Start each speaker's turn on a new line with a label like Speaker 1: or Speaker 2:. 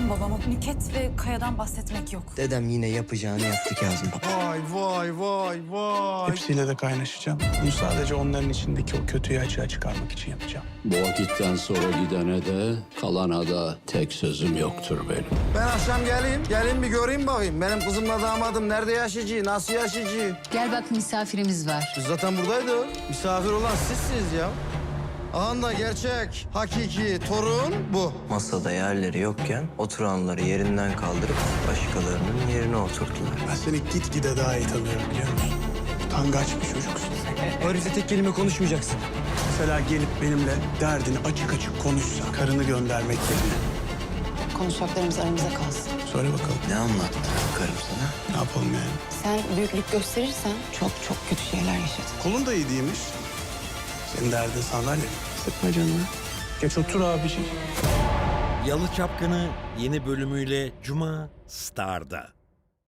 Speaker 1: babama. Nüket ve Kaya'dan bahsetmek yok.
Speaker 2: Dedem yine yapacağını yaptı Kazım.
Speaker 3: Vay.
Speaker 4: Hepsiyle de kaynaşacağım. Bunu sadece onların içindeki o kötüyü açığa çıkarmak için yapacağım.
Speaker 5: Bu vakitten sonra gidene de kalana da tek sözüm yoktur benim.
Speaker 3: Ben akşam gelin bir göreyim bakayım. Benim kızımla damadım nerede yaşayacak, nasıl yaşayacak?
Speaker 6: Gel bak misafirimiz var.
Speaker 3: Biz zaten buradaydı. Misafir olan sizsiniz ya. Aha da gerçek, hakiki torun bu.
Speaker 2: Masada yerleri yokken oturanları yerinden kaldırıp başkalarının yerine oturttular.
Speaker 4: Ben seni gitgide daha iyi tanıyorum biliyor musun? Utangaç bir çocuksun.
Speaker 2: O herifle tek kelime konuşmayacaksın.
Speaker 4: Mesela gelip benimle derdini açık açık konuşsa, karını göndermek yerine.
Speaker 6: Konuşacaklarımız aramızda kalsın.
Speaker 4: Söyle bakalım.
Speaker 2: Ne anlattı karım sana?
Speaker 4: Ne yapalım yani?
Speaker 6: Sen büyüklük gösterirsen çok çok kötü şeyler yaşadın.
Speaker 4: Kolun da iyi değilmiş. Senin derdin sandalye. Sıkma canını. Geç otur abiciğim.
Speaker 7: Yalı Çapkını yeni bölümüyle Cuma Star'da.